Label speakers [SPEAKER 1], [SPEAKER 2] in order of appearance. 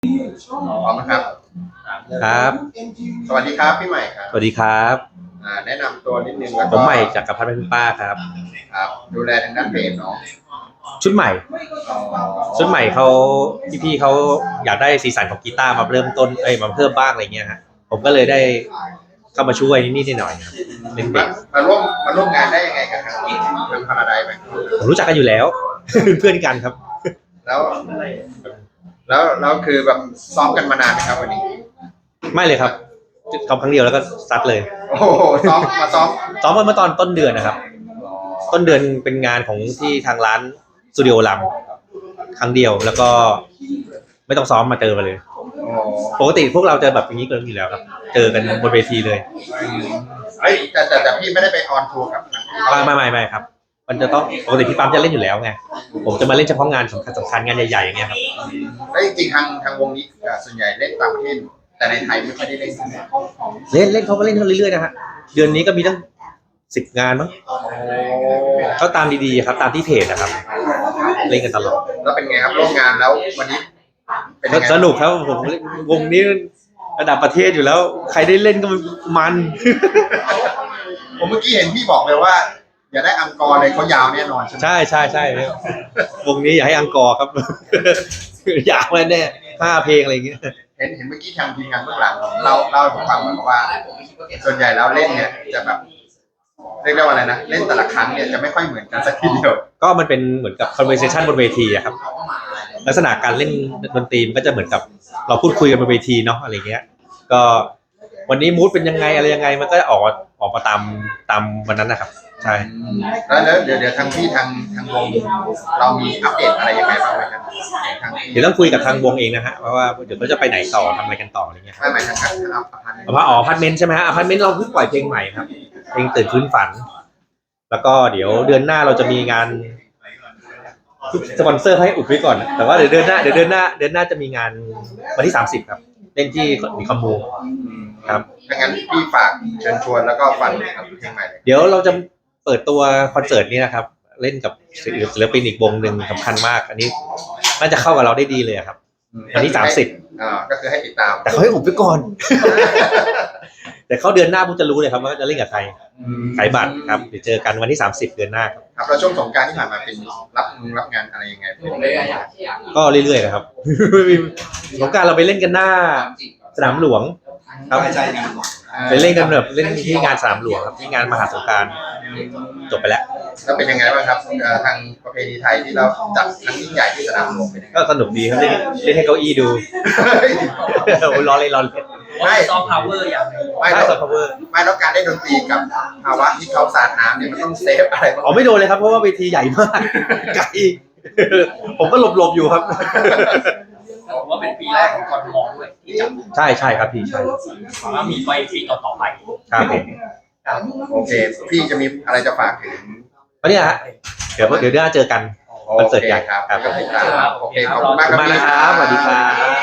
[SPEAKER 1] พร้อมนะครับ
[SPEAKER 2] ครับ
[SPEAKER 1] สวัสดีครับพี่ใหม่ครับ
[SPEAKER 2] สวัสดีครับ
[SPEAKER 1] แนะนำตัวนิดนึงแล้ว
[SPEAKER 2] ผม
[SPEAKER 1] ก็
[SPEAKER 2] ใหม่จากกับพัฒน์เป็นป้าครับ
[SPEAKER 1] ครับดูแลทางด้านเพจเนาะ
[SPEAKER 2] ชุดใหม่
[SPEAKER 1] อ๋อ
[SPEAKER 2] ชุดใหม่เขาพี่เขาอยากได้สีสันของกีตาร์มาเริ่มต้นมาเพิ่มบ้างอะไรเงี้ยฮะผมก็เลยได้เข้ามาช่วยนิดหน่อยครับเป็นเบส
[SPEAKER 1] มาร่วมงานได้ยังไงกับทางพาราไดซ์ไหม
[SPEAKER 2] ผมรู้จักกันอยู่แล้ว เพื่อนกันครับ
[SPEAKER 1] แล้วแล้วคือแบบซ้อมกันมานานไหมครับวันนี้
[SPEAKER 2] ไม่เลยครับทำครั้งเดียวแล้วก็ซัดเลย
[SPEAKER 1] โอ้โหซ้อม
[SPEAKER 2] เมื่อตอนต้นเดือนนะครับต้นเดือนเป็นงานของที่ทางร้านสตูดิโอลำครั้งเดียวแล้วก็ไม่ต้องซ้อมมาเจอกันเลยปกติพวกเราจะแบบอย่างนี้กันอยู่แล้วครับเจอกันบนเวทีเลย
[SPEAKER 1] แต่พี่ไม่ได้ไปออนทัวร์กับ
[SPEAKER 2] ไม่ครับมันจะต้องปกติพี่ปั๊มจะเล่นอยู่แล้วไงผมจะมาเล่นเฉพาะงานสำคัญงานใหญ่ๆอย่างเงี้ยครับ
[SPEAKER 1] แล้วจริงๆทางวงนี้ส่วนใหญ่เล่นต่างประเทศแต่ในไทยไม่ค่อยได้เล่น
[SPEAKER 2] เล่นเขาก็เล่นเรื่อยๆนะฮะเดือนนี้ก็มีตั้ง10 งานมั้งก็ตามดีๆครับตามที่เพจนะครับเล่นกันตลอด
[SPEAKER 1] แล้วเป็นไงครับร่วมงานแล้ววันนี้
[SPEAKER 2] สนุกครับผมวงนี้ระดับประเทศอยู่แล้วใครได้เล่นก็มัน
[SPEAKER 1] ผมเมื่อกี้เห็นพี่บอกเลยว่าอย่าได้อังกอร์เลยเขายาวแน่นอน
[SPEAKER 2] ใช่วงนี้อย่าให้อังกอร์ครับ อยากแน่5 เพลงอะไรอย่างเงี้ย
[SPEAKER 1] เห็นเมื่อกี้ทางทีมงานเบื้องหลังเล่าให้ผมฟังเหมือนว่าส่วนใหญ่แล้วเล่นเนี่ยจะแบบเรียกได้ว่าอะไรนะเล่นแต่ละครั้งเนี่ยจะไม่ค่อยเหมือนกันสักทีเดียว
[SPEAKER 2] ก็มันเป็นเหมือนกับ conversation บนเวทีอะครับลักษณะการเล่นดนตรีมันก็จะเหมือนกับเราพูดคุยกันบนเวทีเนาะอะไรเงี้ยก็วันนี้มูดเป็นยังไงอะไรยังไงมันก็ออกมาตามวันนั้นนะครับใช่
[SPEAKER 1] แล้วเดี๋ยวทางพี่ทางวงเรามีอัปเดตอะไรยังไงบ้างไหมครับ
[SPEAKER 2] เดี๋ยวต้องคุยกับทางวงเองนะฮะว่าเดี๋ยวเขาจะไปไหนต่อทำอะไรกันต่ออะไรเงี้ย
[SPEAKER 1] ไม่หมายถึง
[SPEAKER 2] อพาร์ตเมนต์ใช่ไหมฮะอพาร์ตเมนต์เราเพิ่งปล่อยเพลงใหม่ครับเพลงตื่นฟื้นฝันแล้วก็เดี๋ยวเดือนหน้าเราจะมีงานสปอนเซอร์ให้อุบไว้ก่อนแต่ว่าเดี๋ยวเดือนหน้าจะมีงานวันที่30ครับเล่นที่มีคอมมูครับ
[SPEAKER 1] งั้นพี่ฝากเชิญชวนแล้วก็ฟังเพลงใหม่
[SPEAKER 2] เดี๋ยวเราจะเปิดตัวคอนเสิร์ตนี้นะครับเล่นกับศิลปินอีกวงหนึ่งสำคัญมากอันนี้น่าจะเข้ากับเราได้ดีเลยครับวันที่30
[SPEAKER 1] ก็คือให้ติดตาม
[SPEAKER 2] แต่เขาให้อุบไว้ก่อน แต่เขาเดือนหน้าผมจะรู้เลยครับว่าจะเล่นกับใครขายบัตรครับเดี๋ยวเจอกันวันที่30เดือนหน้าครับ
[SPEAKER 1] แล้วช่วงสงกรานต์ที่ผ่านมาเป็นรับงานอะไรยังไง
[SPEAKER 2] ก็เรื่อยๆนะครับสงกรานต์เราไปเล่นกันหน้าสนามหลวงครับไปเล่นกันแบบเล่นที่งานสนามหลวงครับที่งานมหาสงกรานต์จบไปแล้ว
[SPEAKER 1] แล้วเป็นยังไงบ้างครับทางประเพณีไทยที่เราจัดครั้งยิ่งใหญ่ที่สนามหลวงเป็นยังไง
[SPEAKER 2] ก็สนุกดีครับเล่นให้เก้าอี้ดูรอเลย
[SPEAKER 1] ไม่
[SPEAKER 3] ซอฟต์พาวเวอร์อย่าง
[SPEAKER 1] ไม่ซอฟต์พาวเวอร์ไม่แล้วการได้ดนตรีกับภาวะที่เขาสาดน้ำเนี่ยมันต้องเซฟอะไร
[SPEAKER 2] บ้างไม่โดนเลยครับเพราะว่าเวทีใหญ่มากไกลผมก็หลบอยู่ครับ
[SPEAKER 3] ผมว่าเป็นปีแรกของกรทมด้วยที่จัด
[SPEAKER 2] ใช่ครับพี่ใช่
[SPEAKER 3] ว่ามีไปปีต่อไป
[SPEAKER 2] ครับผม
[SPEAKER 1] โอเคพี่จะมีอะไรจะฝากถึง
[SPEAKER 2] วันนี้ฮะเดี๋ยวหน้าเจอกันคอนเสิร์ตใหญ่
[SPEAKER 1] ครับ
[SPEAKER 2] โอเค
[SPEAKER 1] ขอบคุณมากครับ
[SPEAKER 2] สวัสดีครับ